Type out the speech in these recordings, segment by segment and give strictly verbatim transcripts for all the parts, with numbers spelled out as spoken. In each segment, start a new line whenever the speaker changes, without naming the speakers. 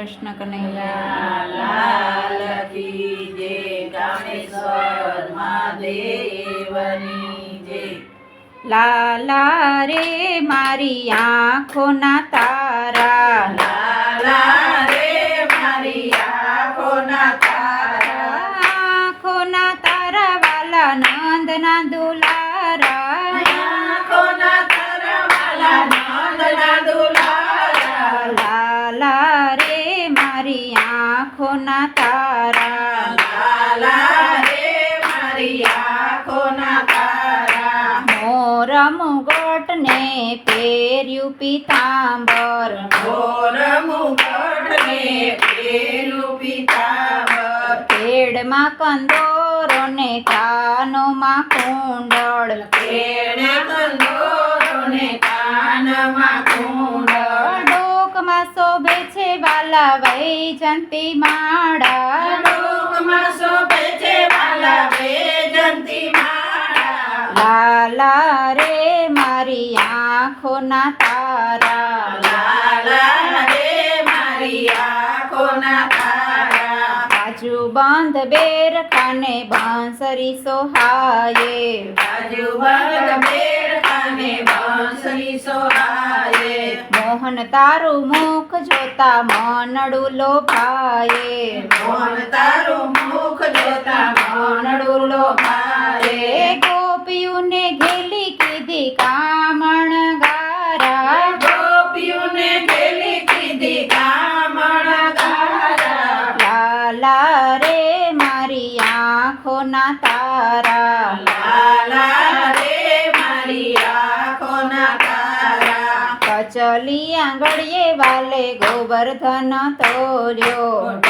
कृष्ण कन्हैया
लाल की जय। कामेश्वर महादेवनी जय।
लाला रे मारी आँखोना ताરા,
લાલા રે મારી આંખોના તારા,
આँखોના તારા વાલા નંદના દુલારા,
આંખોના તારા વાલા નંદના દુલારા.
લાલા રે મારી આँખોના તારા,
લાલા રે મારી આંખોના તારા.
મોર મુગટ ને પહેર્યું પીતાંબર,
મોર મુગટ ને પહેર્યું પીતાંબર,
પેડમાં કંદોરો ને કાનોમાં કુંડળ,
પેડે કંદોરો ને કાનમાં કુંડળ,
ડોકમાં શોભે છે વાલા વૈજંતી માળા,
ડોકમાં શોભે છે વાલા વૈજંતી માળા.
લાલા રે મારી આँખોના તારા,
લાલા રે મારી આંખોના તારા.
બાજુ બંધ બેર કાને બાંસરી સોહાયે,
બાજુ બંધ બેર કાને બાંસરી સોહાયે,
મોહન તારું મુખ જોતા મનડું લોભાયે,
મોહન તારું મુખ જોતા મનડું લોભાયે.
ગોપીઓને ઘેલી કીધી કામણ ગારા,
ગોપીઓને ઘેલી કીધી કામણ ગારા.
લાલા રે મારી આँખોના તારા,
લાલા રે મારી આંખોના તારા.
કચલી આંગળીએ વાલે ગોવર્ધન તોર્યો,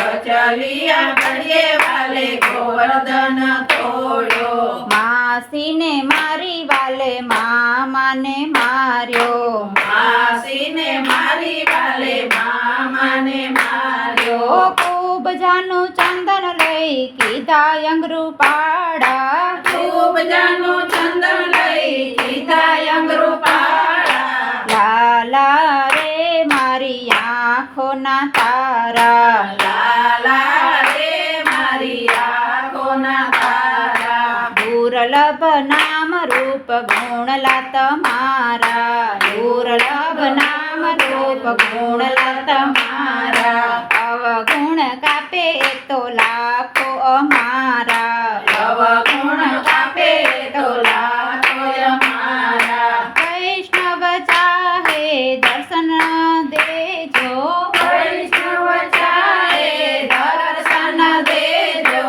ચલિયા ઘડીએ વાલે ગોવર્ધન તોડ્યો,
માસીને મારી વાલે મામાને માર્યો,
માસીને મારી વાલે મામાને માર્યો.
ખૂબ જાનું ચંદન લઈ કીધા અંગરૂ પાડા,
ખૂબ જાનું ચંદન લઈ કીધા અંગરૂ પાડા.
લાલા રે મારી આँખોના તારા,
લાલા રે મારી આંખોના તારા.
દુર્લભ નામ રૂપ ગુણલા તમારા, દુર્લભ નામ રૂપ ગુણલા તમારા, અવગુણ કાપે તો લાખો અમારા,
અવગુણ કાપે તો લાખો અમારા.
વૈષ્ણવ ચાહે દર્શન દેજો,
વૈષ્ણવ ચાહે દર્શન દેજો.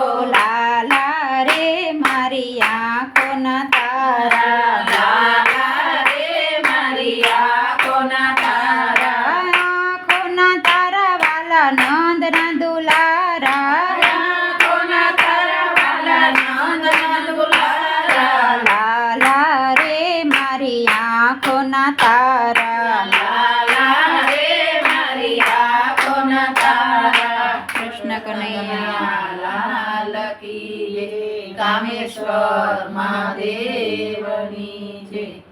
લાલા રે મારી આँખોના તારા,
લાલા રે મારી આંખોના તારા.
આँખોના તારા વાલા નંદના દુલારા,
આંખોના તારા વાલા નંદના દુલારા.
લાલા રે મારી આँખોના તારા,
લાલા રે મારી આંખોના તારા.
કૃષ્ણ કનૈયા
લાલ કી જય. કામેશ્વર મહાદેવની જય.